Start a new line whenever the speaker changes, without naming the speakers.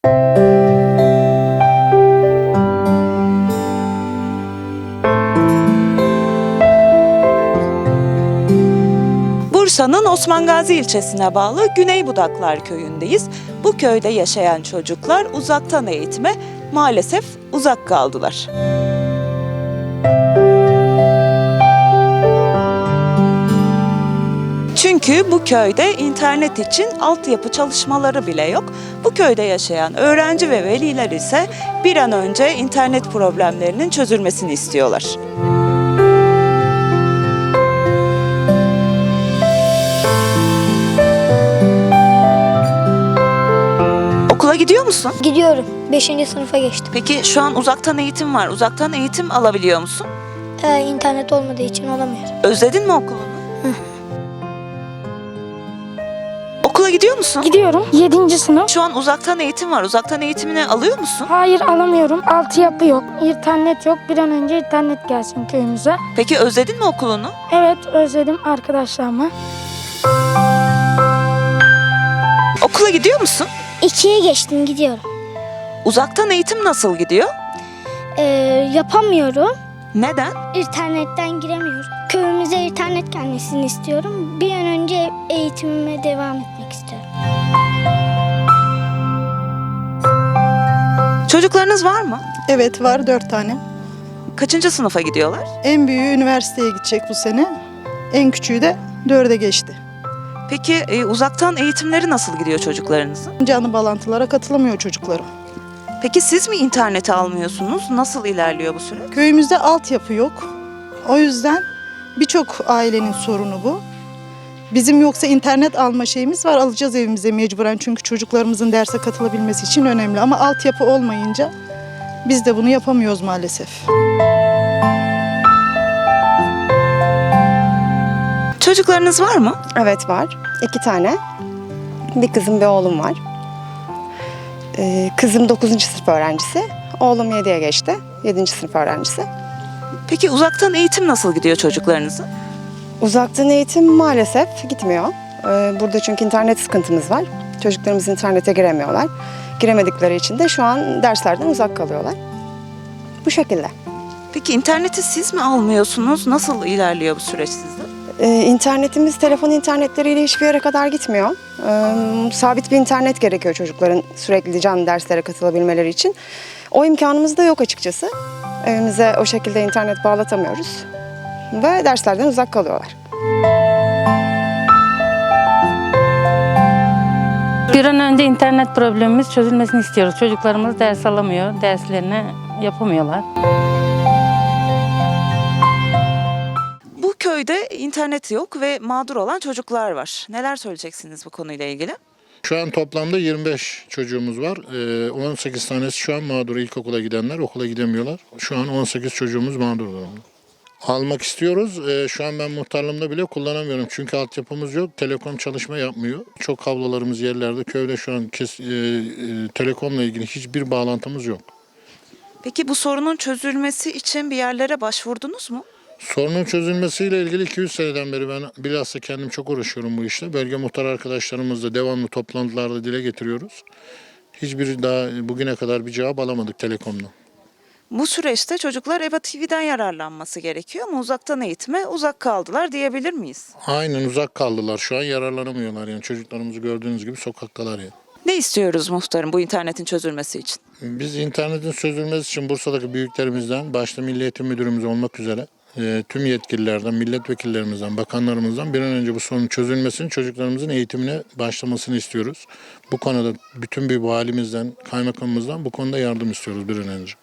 Bursa'nın Osman Gazi ilçesine bağlı Güneybudaklar köyündeyiz. Bu köyde yaşayan çocuklar uzaktan eğitime maalesef uzak kaldılar. Çünkü bu köyde internet için altyapı çalışmaları bile yok. Bu köyde yaşayan öğrenci ve veliler ise bir an önce internet problemlerinin çözülmesini istiyorlar. Okula gidiyor musun?
Gidiyorum. 5. sınıfa geçtim.
Peki şu an uzaktan eğitim var. Uzaktan eğitim alabiliyor musun?
İnternet olmadığı için alamıyorum.
Özledin mi okulunu? Okula gidiyor musun?
Gidiyorum. 7. sınıf.
Şu an uzaktan eğitim var. Uzaktan eğitimini alıyor musun?
Hayır alamıyorum. Altyapı yok. İnternet yok. Bir an önce internet gelsin köyümüze.
Peki özledin mi okulunu?
Evet özledim arkadaşlarımı.
Okula gidiyor musun?
2'ye geçtim, gidiyorum.
Uzaktan eğitim nasıl gidiyor?
Yapamıyorum.
Neden?
İnternetten giremiyorum. Köyümüze internet gelmesini istiyorum. Bir an önce eğitimime devam etmek istiyorum.
Çocuklarınız var mı?
Evet var 4 tane.
Kaçıncı sınıfa gidiyorlar?
En büyüğü üniversiteye gidecek bu sene. En küçüğü de 4'e geçti.
Peki uzaktan eğitimleri nasıl gidiyor çocuklarınızın?
Canlı bağlantılara katılamıyor çocuklarım.
Peki siz mi interneti almıyorsunuz? Nasıl ilerliyor bu süreç?
Köyümüzde altyapı yok. O yüzden birçok ailenin sorunu bu. Bizim yoksa internet alma şeyimiz var. Alacağız evimize mecburen çünkü çocuklarımızın derse katılabilmesi için önemli. Ama altyapı olmayınca biz de bunu yapamıyoruz maalesef.
Çocuklarınız var mı?
Evet var. 2 tane. Bir kızım bir oğlum var. Kızım 9. sınıf öğrencisi. Oğlum 7'ye geçti. 7. sınıf öğrencisi.
Peki uzaktan eğitim nasıl gidiyor çocuklarınızın?
Uzaktan eğitim maalesef gitmiyor. Burada çünkü internet sıkıntımız var. Çocuklarımız internete giremiyorlar. Giremedikleri için de şu an derslerden uzak kalıyorlar. Bu şekilde.
Peki interneti siz mi almıyorsunuz? Nasıl ilerliyor bu süreç sizde?
İnternetimiz telefon internetleriyle hiçbir yere kadar gitmiyor. Sabit bir internet gerekiyor çocukların sürekli canlı derslere katılabilmeleri için. O imkanımız da yok açıkçası. Evimize o şekilde internet bağlatamıyoruz ve derslerden uzak kalıyorlar.
Bir an önce internet problemimiz çözülmesini istiyoruz. Çocuklarımız ders alamıyor, derslerini yapamıyorlar.
Bu köyde internet yok ve mağdur olan çocuklar var. Neler söyleyeceksiniz bu konuyla ilgili?
Şu an toplamda 25 çocuğumuz var. 18 tanesi şu an mağdur. İlkokula gidenler okula gidemiyorlar. Şu an 18 çocuğumuz mağdur durumda. Almak istiyoruz. Şu an ben muhtarlığımda bile kullanamıyorum. Çünkü altyapımız yok. Telekom çalışma yapmıyor. Çok kablolarımız yerlerde. Köyde şu an telekomla ilgili hiçbir bağlantımız yok.
Peki bu sorunun çözülmesi için bir yerlere başvurdunuz mu?
Sorunun çözülmesiyle ilgili 200 seneden beri ben bilhassa kendim çok uğraşıyorum bu işte. Bölge muhtar arkadaşlarımızla devamlı toplantılarda dile getiriyoruz. Hiçbir daha bugüne kadar bir cevap alamadık Telekom'dan.
Bu süreçte çocuklar EBA TV'den yararlanması gerekiyor ama uzaktan eğitime uzak kaldılar diyebilir miyiz?
Aynen uzak kaldılar. Şu an yararlanamıyorlar yani çocuklarımızı gördüğünüz gibi sokaktalar ya.
Ne istiyoruz muhtarım bu internetin çözülmesi için?
Biz internetin çözülmesi için Bursa'daki büyüklerimizden, başta Milli Eğitim Müdürümüz olmak üzere tüm yetkililerden, milletvekillerimizden, bakanlarımızdan bir an önce bu sorunun çözülmesini, çocuklarımızın eğitimine başlamasını istiyoruz. Bu konuda bütün bir valimizden, kaymakamımızdan bu konuda yardım istiyoruz bir an önce.